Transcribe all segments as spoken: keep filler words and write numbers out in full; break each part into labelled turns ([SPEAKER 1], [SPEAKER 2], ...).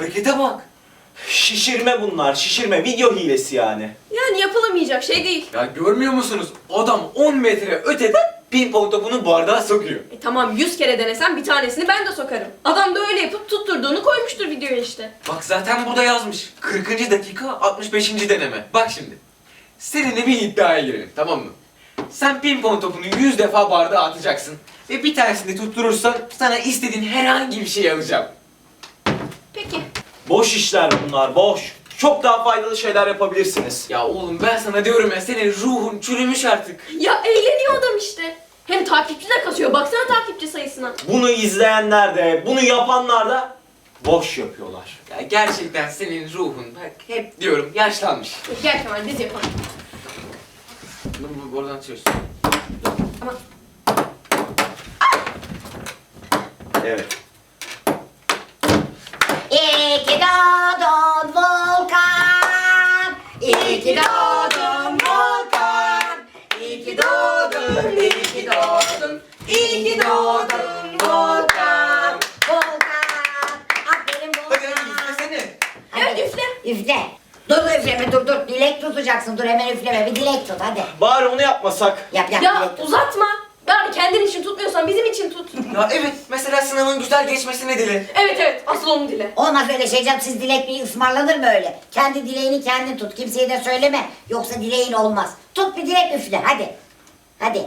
[SPEAKER 1] harekete bak.
[SPEAKER 2] Şişirme bunlar, şişirme. Video hilesi yani.
[SPEAKER 3] Yani yapılamayacak şey değil.
[SPEAKER 1] Ya görmüyor musunuz? Adam on metre öteden pimpon topunu bardağa sokuyor.
[SPEAKER 3] E tamam yüz kere denesem bir tanesini ben de sokarım. Adam da öyle yapıp tutturduğunu koymuştur videoya işte.
[SPEAKER 1] Bak zaten burada yazmış. kırkıncı dakika altmış beşinci deneme. Bak şimdi. Seninle bir iddiaya girelim, tamam mı? Sen pimpon topunu yüz defa bardağa atacaksın. Ve bir tanesini tutturursan sana istediğin herhangi bir şey alacağım.
[SPEAKER 3] Peki.
[SPEAKER 2] Boş işler bunlar, boş. Çok daha faydalı şeyler yapabilirsiniz.
[SPEAKER 1] Ya oğlum ben sana diyorum ya, senin ruhun çürümüş artık.
[SPEAKER 3] Ya eğleniyor adam işte. Hem takipçi de kasıyor. Baksana takipçi sayısına.
[SPEAKER 2] Bunu izleyenler de, bunu yapanlar da boş yapıyorlar.
[SPEAKER 1] Ya gerçekten senin ruhun, bak hep diyorum, yaşlanmış.
[SPEAKER 3] Gel Kemal biz yapalım.
[SPEAKER 1] Bunu bu- buradan açıyoruz.
[SPEAKER 3] Ama
[SPEAKER 2] Evet.
[SPEAKER 4] İyi ki doğdun Volkan. İyi ki doğdun Volkan. İyi ki doğdun, iyi ki doğdun. İyi ki doğdun Volkan. Volkan. Aferin
[SPEAKER 1] Hadi hadi
[SPEAKER 4] Volkan.
[SPEAKER 1] üflesene.
[SPEAKER 3] evet üfle.
[SPEAKER 4] Üfle. Dur üfleme dur dur. Dilek tutacaksın. Dur hemen üfleme. Bir dilek tut hadi.
[SPEAKER 2] Bari onu yapmasak.
[SPEAKER 4] Yap yap
[SPEAKER 3] Ya
[SPEAKER 4] dilek tut.
[SPEAKER 3] uzatma. Bari kendin için tutmuyorsan bizim için tut.
[SPEAKER 1] Ya evet, mesela sınavın güzel geçmesini dile.
[SPEAKER 3] Evet evet asıl onu dile.
[SPEAKER 4] Olmaz öyle şey canım. Siz dilek bir ısmarlanır mı öyle? Kendi dileğini kendin tut. Kimseye de söyleme. Yoksa dileğin olmaz. Tut bir dilek üfle. Hadi. Hadi.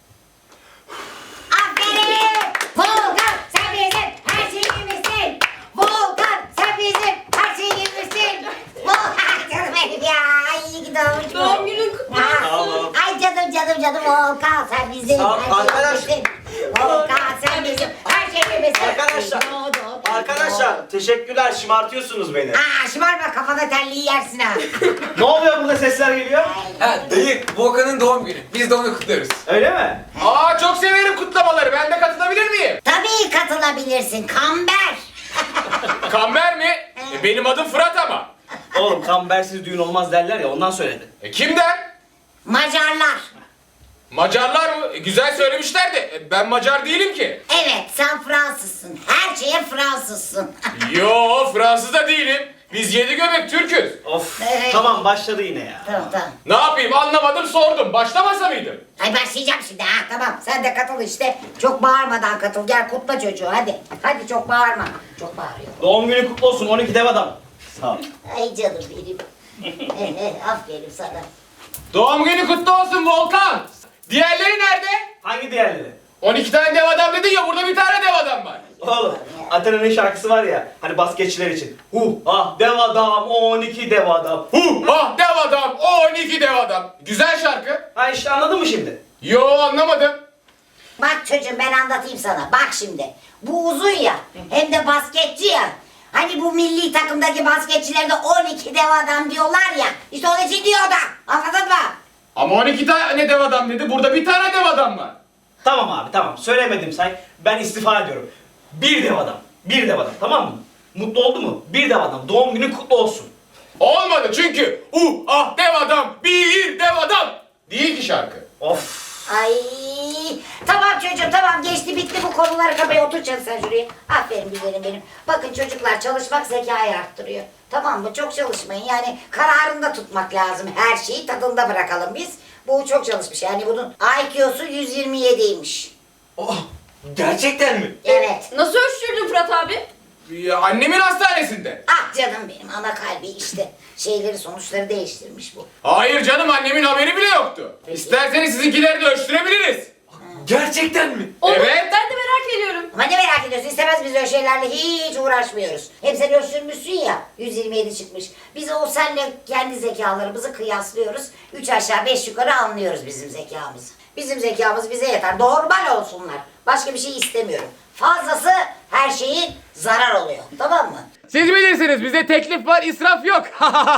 [SPEAKER 4] Aferin. Volkan sen bizim her şeyimizsin. Volkan sen bizim her şeyimizsin. Volkan canım benim ya. Ay iyi ki doğmuş.
[SPEAKER 3] Doğum günün kutlu olsun.
[SPEAKER 2] Sağ olun.
[SPEAKER 4] Ay canım canım canım Volkan sen bizim
[SPEAKER 2] Sağ ol,
[SPEAKER 4] her
[SPEAKER 2] arkadaş.
[SPEAKER 4] şeyimizsin. Volkan sen bizim her şeyimizsin.
[SPEAKER 2] Arkadaşlar, Arkadaşlar teşekkürler, şımartıyorsunuz beni.
[SPEAKER 4] Aa şımarma kafana terliği yersin ha.
[SPEAKER 2] Ne oluyor, burada sesler geliyor?
[SPEAKER 1] Ha dayı, Volkan'ın doğum günü. Biz de onu kutluyoruz.
[SPEAKER 2] Öyle mi?
[SPEAKER 5] Aa çok severim kutlamaları. Ben de katılabilir miyim?
[SPEAKER 4] Tabii katılabilirsin Kamber.
[SPEAKER 5] Kamber mi? E, benim adım Fırat ama.
[SPEAKER 2] Oğlum kambersiz düğün olmaz derler ya, ondan söyledi.
[SPEAKER 5] E, kim der?
[SPEAKER 4] Macarlar.
[SPEAKER 5] Macarlar mı? E, güzel söylemişler de e, ben Macar değilim ki.
[SPEAKER 4] Evet sen Fransızsın. Her şeye Fransızsın.
[SPEAKER 5] Yo Fransız da değilim. Biz yedi göbek Türk'üz.
[SPEAKER 2] Of,
[SPEAKER 4] Evet.
[SPEAKER 2] tamam başladı yine ya.
[SPEAKER 4] Tamam tamam.
[SPEAKER 5] Ne yapayım anlamadım sordum. Başlamasa mıydım?
[SPEAKER 4] Ay başlayacağım şimdi ha tamam. Sen de katıl işte. Çok bağırmadan katıl. Gel kutla çocuğu hadi. Hadi çok bağırma. Çok bağırıyor.
[SPEAKER 2] Doğum günü kutlu olsun on iki dev adam. Sağ ol.
[SPEAKER 4] Ay canım benim. Aferin sana.
[SPEAKER 5] Doğum günü kutlu olsun Volkan. Diğerleri nerede?
[SPEAKER 2] Hangi diğerleri?
[SPEAKER 5] on iki tane dev adam dedin ya, burada bir tane dev adam var.
[SPEAKER 2] Oğlum, Athena'nın şarkısı var ya, hani basketçiler için. Huh, ah dev adam, on iki dev adam.
[SPEAKER 5] Huh, ah dev adam, on iki dev adam. Güzel şarkı.
[SPEAKER 2] Ha işte anladın mı şimdi?
[SPEAKER 5] Yo anlamadım.
[SPEAKER 4] Bak çocuğum ben anlatayım sana. Bak şimdi. Bu uzun ya. Hem de basketçi ya. Hani bu milli takımdaki basketçilerde on iki dev adam diyorlar ya. İşte onun için diyor da. Anladın mı?
[SPEAKER 5] Ama on iki tane dev adam dedi. Burada bir tane dev adam var.
[SPEAKER 2] Tamam abi tamam, söylemedim say. Ben istifa ediyorum. Bir dev adam, bir dev adam, tamam mı? Mutlu oldu mu? Bir dev adam, doğum günün kutlu olsun.
[SPEAKER 5] Olmadı çünkü uh ah dev adam, bir dev adam değil ki şarkı.
[SPEAKER 2] Of.
[SPEAKER 4] Ay tamam çocuğum tamam geçti bitti bu konuları kapaya oturacaksın sen şuraya. Aferin güzelim benim. Bakın çocuklar çalışmak zekayı arttırıyor. Tamam mı? Çok çalışmayın yani kararında tutmak lazım. Her şeyi tadında bırakalım biz. Bu çok çalışmış yani bunun I Q'su yüz yirmi yediymiş.
[SPEAKER 1] Oh, gerçekten mi?
[SPEAKER 4] Evet.
[SPEAKER 3] Nasıl ölçtürdün Fırat abi?
[SPEAKER 5] Ya, annemin hastanesinde.
[SPEAKER 4] Ah canım benim ana kalbi işte. Şeyleri sonuçları değiştirmiş bu.
[SPEAKER 5] Hayır canım, annemin haberi bile yoktu. İsterseniz sizinkileri de ölçtürebiliriz.
[SPEAKER 1] Gerçekten mi?
[SPEAKER 3] Olur.
[SPEAKER 5] Evet.
[SPEAKER 3] Ben de merak ediyorum.
[SPEAKER 4] Ama ne merak ediyorsun? İstemez biz öyle şeylerle hiç uğraşmıyoruz. Hep sen ölçtürmüşsün ya. yüz yirmi yedi çıkmış. Biz o senle kendi zekalarımızı kıyaslıyoruz. Üç aşağı beş yukarı anlıyoruz bizim zekamızı. Bizim zekamız bize yeter. Normal olsunlar. Başka bir şey istemiyorum. Fazlası her şeyin zarar oluyor. Tamam mı?
[SPEAKER 5] Siz bilirsiniz, bize teklif var, israf yok.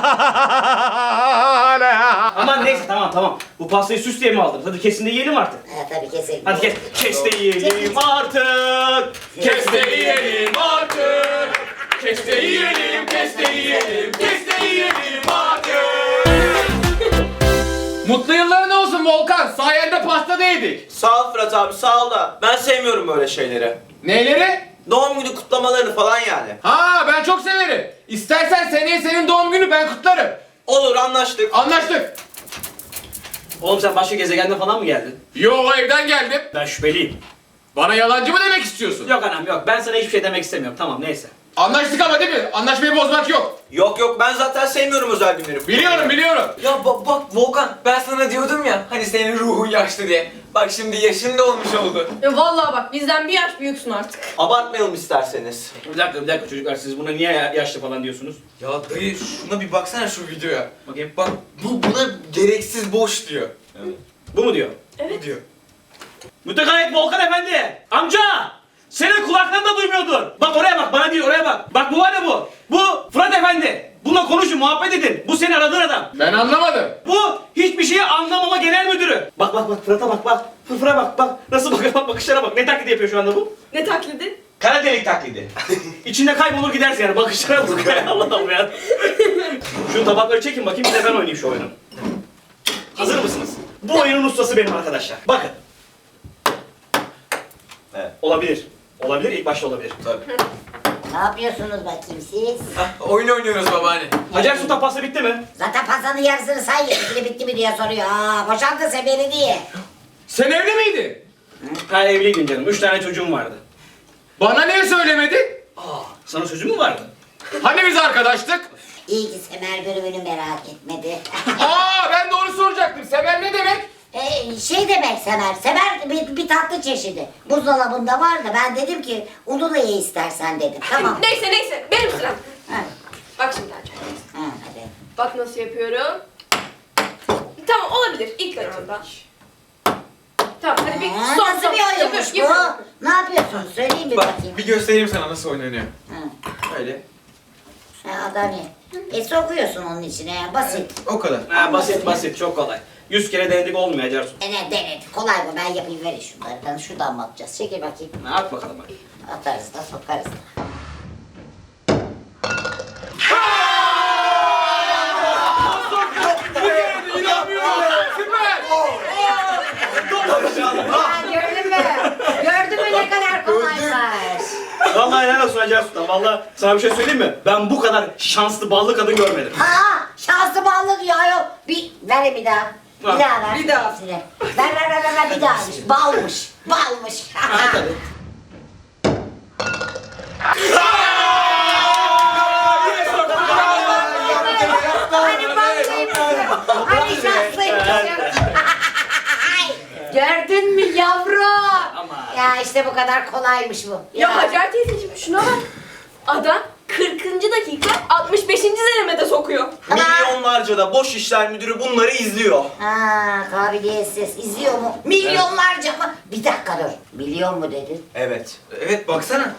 [SPEAKER 2] Aman neyse tamam tamam. Bu pastayı süs diye mi aldınız? Hadi kesin de yiyelim artık.
[SPEAKER 4] Ha, tabii keselim.
[SPEAKER 2] Hadi kes. Kes de yiyelim artık.
[SPEAKER 5] Kes de yiyelim artık. Kes de yiyelim, kes de yiyelim, kes de yiyelim artık. Mutlu yılların olsun Volkan. Sayende pasta da yedik.
[SPEAKER 2] Sağ ol Fırat abi, sağ ol da ben sevmiyorum böyle şeyleri.
[SPEAKER 5] Neyleri?
[SPEAKER 6] Doğum günü kutlamalarını falan yani.
[SPEAKER 5] Ha ben çok severim. İstersen seneye senin doğum günü ben kutlarım.
[SPEAKER 6] Olur, anlaştık.
[SPEAKER 5] Anlaştık.
[SPEAKER 2] Oğlum sen başka gezegenden falan mı geldin?
[SPEAKER 5] Yo evden geldim.
[SPEAKER 2] Ben şüpheliyim.
[SPEAKER 5] Bana yalancı mı demek istiyorsun?
[SPEAKER 2] Yok anam yok. Ben sana hiçbir şey demek istemiyorum. Tamam neyse.
[SPEAKER 5] Anlaştık ama değil mi? Anlaşmayı bozmak yok.
[SPEAKER 6] Yok yok, ben zaten sevmiyorum özel günleri.
[SPEAKER 5] Biliyorum biliyorum.
[SPEAKER 1] Ya ba- bak Volkan, ben sana diyordum ya hani senin ruhun yaşlı diye. Bak şimdi yaşın da olmuş oldu.
[SPEAKER 3] Ya vallahi bak bizden bir yaş büyüksün artık.
[SPEAKER 6] Abartmayalım isterseniz.
[SPEAKER 2] Bir dakika bir dakika çocuklar siz buna niye ya- yaşlı falan diyorsunuz?
[SPEAKER 1] Ya dayı şuna bir baksana şu videoya.
[SPEAKER 2] Bakayım.
[SPEAKER 1] Bak bu buna gereksiz boş diyor.
[SPEAKER 2] Bu mu diyor?
[SPEAKER 1] Bu diyor.
[SPEAKER 2] Mütekallit Volkan Efendi! Amca! Senin kulakların da duymuyordur. Bak oraya bak, bana değil oraya bak. Bak bu var ya bu. Bu Fırat Efendi. Bununla konuşun, muhabbet edin. Bu seni aradığın adam.
[SPEAKER 5] Ben anlamadım.
[SPEAKER 2] Bu hiçbir şeyi anlamama genel müdürü. Bak bak bak Fırat'a bak bak. Fırfıra bak bak. Nasıl bakıyor bak bakışlara bak. Ne taklidi yapıyor şu anda bu?
[SPEAKER 3] Ne taklidi?
[SPEAKER 2] Kara delik taklidi. İçinde kaybolur gidersin yani. Bakışlara bak. Allah'ım ya. Şu tabakları çekin bakayım bir de ben oynayayım şu oyunu. Hazır mısınız? Bu oyunun ustası benim arkadaşlar. Bakın.
[SPEAKER 6] Evet.
[SPEAKER 2] Olabilir. Olabilir, ilk başta olabilir.
[SPEAKER 6] Tabii.
[SPEAKER 4] Ne yapıyorsunuz bakayım siz?
[SPEAKER 1] Hah, oyun oynuyoruz babaanne.
[SPEAKER 2] Hacer Sultan pasta bitti mi?
[SPEAKER 4] Zaten pastanın yarısını say ye. Bitti mi diye soruyor. Aa, boşandı sen beni diye.
[SPEAKER 5] Sen evli miydin?
[SPEAKER 2] Ha evliydim canım. Üç tane çocuğum vardı.
[SPEAKER 5] Bana niye söylemedin?
[SPEAKER 2] Aa, sana sözüm mü vardı?
[SPEAKER 5] Hani biz arkadaştık?
[SPEAKER 4] İyi ki Semer bölümünü merak etmedi.
[SPEAKER 5] Aa ben de onu soracaktım. Sever ne demek?
[SPEAKER 4] Ee, şey demek Semer, Semer bir, bir tatlı çeşidi. Buzdolabında var da ben dedim ki onu da ye istersen dedim. Tamam.
[SPEAKER 3] Neyse neyse benim sıram.
[SPEAKER 4] Ha,
[SPEAKER 3] Bak şimdi Hacer.
[SPEAKER 4] ha, hadi.
[SPEAKER 3] Bak nasıl yapıyorum. Tamam olabilir ilk etapta. Tamam hadi bir
[SPEAKER 4] Ha,
[SPEAKER 3] son
[SPEAKER 4] nasıl
[SPEAKER 3] son.
[SPEAKER 4] bir oyunmuş
[SPEAKER 3] Yapıyorum,
[SPEAKER 4] bu?
[SPEAKER 3] yapıyorum.
[SPEAKER 4] Ne yapıyorsun? Söyleyeyim bir
[SPEAKER 1] Bak
[SPEAKER 4] bakayım.
[SPEAKER 1] bir göstereyim sana nasıl oynanıyor.
[SPEAKER 4] Ha,
[SPEAKER 1] Öyle.
[SPEAKER 4] ha, adam ye. E sokuyorsun onun içine ya, basit.
[SPEAKER 1] O kadar.
[SPEAKER 2] Ha basit basit çok kolay. Yüz kere denedik olmuyor Hacer Sultan.
[SPEAKER 4] E ne denedik, kolay bu, ben yapayım, verin şunları. Şuradan mı atacağız? Çekil bakayım.
[SPEAKER 2] Ha, at bakalım hadi.
[SPEAKER 4] Atarız da sokarız da.
[SPEAKER 5] Süper.
[SPEAKER 4] Ha, gördün mü? Gördün mü ne kadar kolaymış?
[SPEAKER 2] Vallahi helal olsun Hacer Sultan. Vallahi sana bir şey söyleyeyim mi? Ben bu kadar şanslı ballı kadın görmedim.
[SPEAKER 4] Aa, şanslı ballı diyor ayol. Bir, ver bir daha. Bir
[SPEAKER 2] Ha,
[SPEAKER 4] daha ver.
[SPEAKER 3] bir daha.
[SPEAKER 4] Hepsini. Ver ver ver ver, ver bir daha. Balmış. Balmış.
[SPEAKER 2] Ha, tabii.
[SPEAKER 4] Hani ballıymışsın. Hani şanslıymışsın. Gördün mü yavrum?
[SPEAKER 2] Ama.
[SPEAKER 4] Ya işte bu kadar kolaymış bu.
[SPEAKER 3] Ya Hacer teyzeciğim şuna bak. Adam kırkıncı dakika altmış beşinci denemede sokuyor.
[SPEAKER 6] Milyonlarca da boş işler müdürü bunları izliyor.
[SPEAKER 4] Ha, kabiliyetsiz. İzliyor mu? Milyonlarca mı? Bir dakika dur. Milyon mu dedin?
[SPEAKER 6] Evet.
[SPEAKER 1] Evet baksana.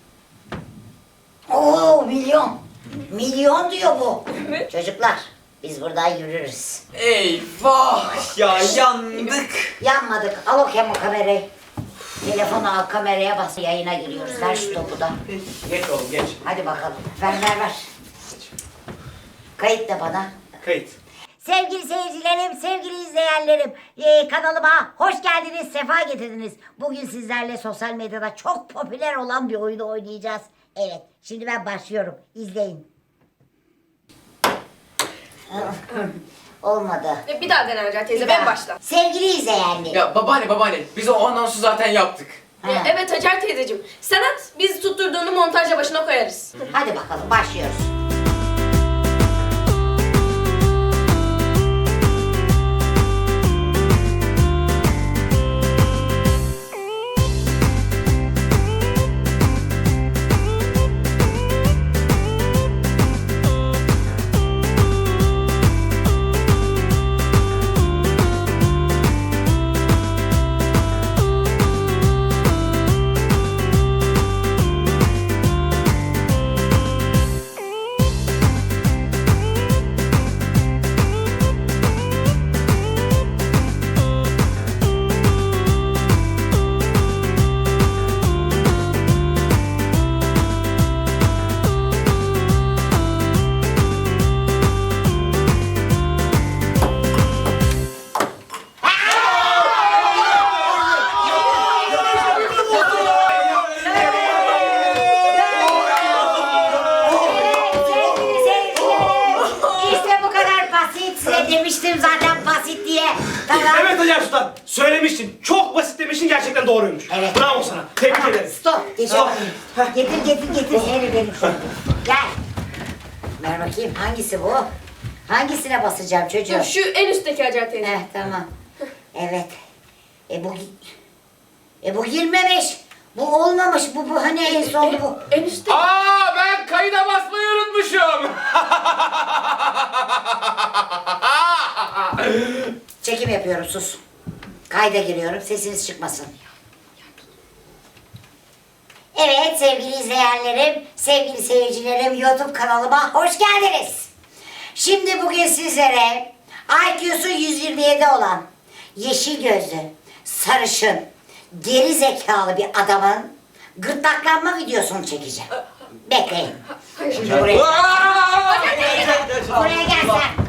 [SPEAKER 4] Oo, milyon. Milyon diyor bu.
[SPEAKER 3] Evet.
[SPEAKER 4] Çocuklar, biz buradan yürürüz.
[SPEAKER 1] Eyvah ya yandık.
[SPEAKER 4] Yanmadık. Al o kemo kamerayı. Telefonu al, kameraya bas. Yayına giriyoruz. Ver şu topu da.
[SPEAKER 2] Geç oğlum geç.
[SPEAKER 4] Hadi bakalım. Ver ver ver. Kayıt da bana.
[SPEAKER 2] Kayıt.
[SPEAKER 4] Sevgili seyircilerim, sevgili izleyenlerim, ee, kanalıma hoş geldiniz, sefa getirdiniz. Bugün sizlerle sosyal medyada çok popüler olan bir oyunu oynayacağız. Evet, şimdi ben başlıyorum. İzleyin. Olmadı.
[SPEAKER 3] E, Bir daha dene Hacer teyze
[SPEAKER 4] Bir
[SPEAKER 3] ben
[SPEAKER 4] daha.
[SPEAKER 3] başla.
[SPEAKER 4] Sevgili izleyenler.
[SPEAKER 1] Ya babaanne babaanne biz o anonsu zaten yaptık.
[SPEAKER 4] Ha.
[SPEAKER 3] E, Evet Hacer teyzeciğim. Sen at biz tutturduğunu montajla başına koyarız.
[SPEAKER 4] Hadi bakalım, başlıyoruz. size demiştim zaten basit diye. Tamam.
[SPEAKER 2] Evet Hacer Sultan. Söylemiştin. Çok basit demiştin. Gerçekten doğruymuş.
[SPEAKER 4] Evet.
[SPEAKER 2] Bravo sana. Tebrik ederim.
[SPEAKER 4] Stop. Geç
[SPEAKER 2] Stop.
[SPEAKER 4] bakayım. Getir getir getir. Seni benim şöyle. Gel. Ver bakayım hangisi bu? Hangisine basacağım çocuğum?
[SPEAKER 3] Dur şu en üstteki Hacer teyze.
[SPEAKER 4] Heh tamam. Evet. E bu gi- E bu girmemiş. Bu olmamış. Bu bu hani en son bu.
[SPEAKER 3] En üstte.
[SPEAKER 5] Aa ben kayıda basmayı unutmuşum.
[SPEAKER 4] Çekim yapıyorum sus. Kayda giriyorum sesiniz çıkmasın. Evet sevgili izleyenlerim, sevgili seyircilerim YouTube kanalıma hoş geldiniz. Şimdi bugün sizlere I Q'su yüz yirmi yedi olan, yeşil gözlü, sarışın, geri zekalı bir adamın gırtlaklanma videosunu çekeceğim. Bekleyin. Şimdi buraya,
[SPEAKER 5] Aa!
[SPEAKER 4] buraya gel sen.